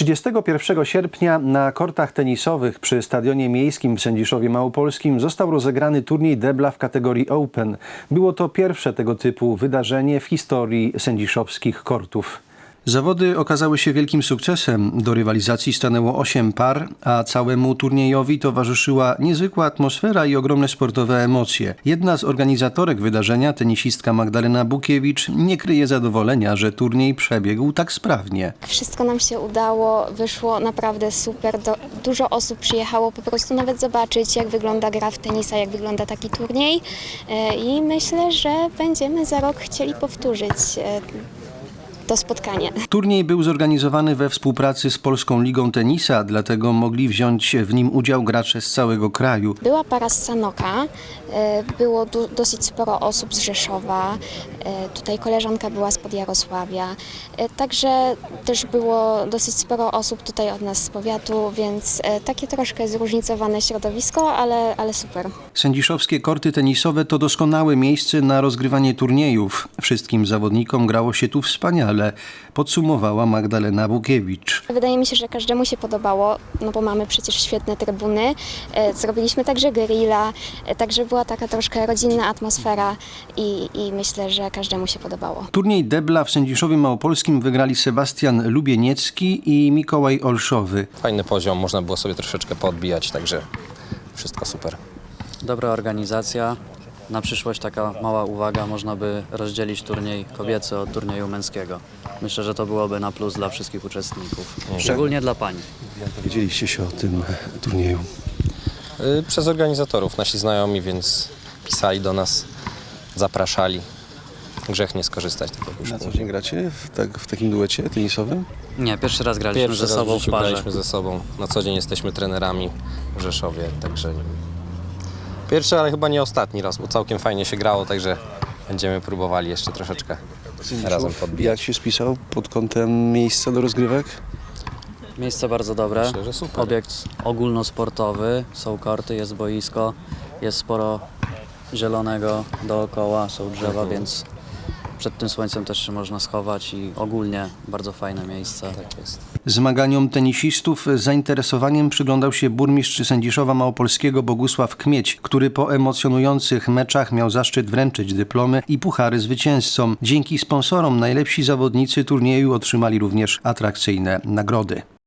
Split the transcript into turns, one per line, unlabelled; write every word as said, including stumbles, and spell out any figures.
trzydziestego pierwszego sierpnia na kortach tenisowych przy Stadionie Miejskim w Sędziszowie Małopolskim został rozegrany turniej debla w kategorii Open. Było to pierwsze tego typu wydarzenie w historii sędziszowskich kortów. Zawody okazały się wielkim sukcesem. Do rywalizacji stanęło osiem par, a całemu turniejowi towarzyszyła niezwykła atmosfera i ogromne sportowe emocje. Jedna z organizatorek wydarzenia, tenisistka Magdalena Bukiewicz, nie kryje zadowolenia, że turniej przebiegł tak sprawnie.
Wszystko nam się udało, wyszło naprawdę super. Do, dużo osób przyjechało po prostu nawet zobaczyć, jak wygląda gra w tenisa, jak wygląda taki turniej. E, I myślę, że będziemy za rok chcieli powtórzyć e, to spotkanie.
Turniej był zorganizowany we współpracy z Polską Ligą Tenisa, dlatego mogli wziąć w nim udział gracze z całego kraju.
Była para z Sanoka, było du- dosyć sporo osób z Rzeszowa, tutaj koleżanka była spod Jarosławia, także też było dosyć sporo osób tutaj od nas z powiatu, więc takie troszkę zróżnicowane środowisko, ale, ale super.
Sędziszowskie korty tenisowe to doskonałe miejsce na rozgrywanie turniejów. Wszystkim zawodnikom grało się tu wspaniale, podsumowała Magdalena Bukiewicz.
Wydaje mi się, że każdemu się podobało, no bo mamy przecież świetne trybuny. Zrobiliśmy także grilla, także była taka troszkę rodzinna atmosfera i, i myślę, że każdemu się podobało.
Turniej debla w Sędziszowie Małopolskim wygrali Sebastian Lubieniecki i Mikołaj Olszowy.
Fajny poziom, można było sobie troszeczkę poodbijać, także wszystko super.
Dobra organizacja. Na przyszłość taka mała uwaga, można by rozdzielić turniej kobiecy od turnieju męskiego. Myślę, że to byłoby na plus dla wszystkich uczestników, szczególnie dla pań.
Jak dowiedzieliście się o tym turnieju?
Yy, przez organizatorów, nasi znajomi, więc pisali do nas, zapraszali. Grzech nie skorzystać z takiego
Na co
szkoły.
dzień gracie w, tak, w takim duecie tenisowym?
Nie, pierwszy raz graliśmy
Pierwszy
ze
raz
sobą
w
w
życiu
parze.
graliśmy ze sobą. Na co dzień jesteśmy trenerami w Rzeszowie, także pierwszy, ale chyba nie ostatni raz, bo całkiem fajnie się grało, także będziemy próbowali jeszcze troszeczkę razem podbijać.
Jak się spisał pod kątem miejsca do rozgrywek?
Miejsce bardzo dobre,
Myślę, że super.
obiekt ogólnosportowy, są korty, jest boisko, jest sporo zielonego dookoła, są drzewa, więc przed tym słońcem też się można schować i ogólnie bardzo fajne miejsce.
Tak jest.
Zmaganiom tenisistów z zainteresowaniem przyglądał się burmistrz Sędziszowa Małopolskiego Bogusław Kmieć, który po emocjonujących meczach miał zaszczyt wręczyć dyplomy i puchary zwycięzcom. Dzięki sponsorom najlepsi zawodnicy turnieju otrzymali również atrakcyjne nagrody.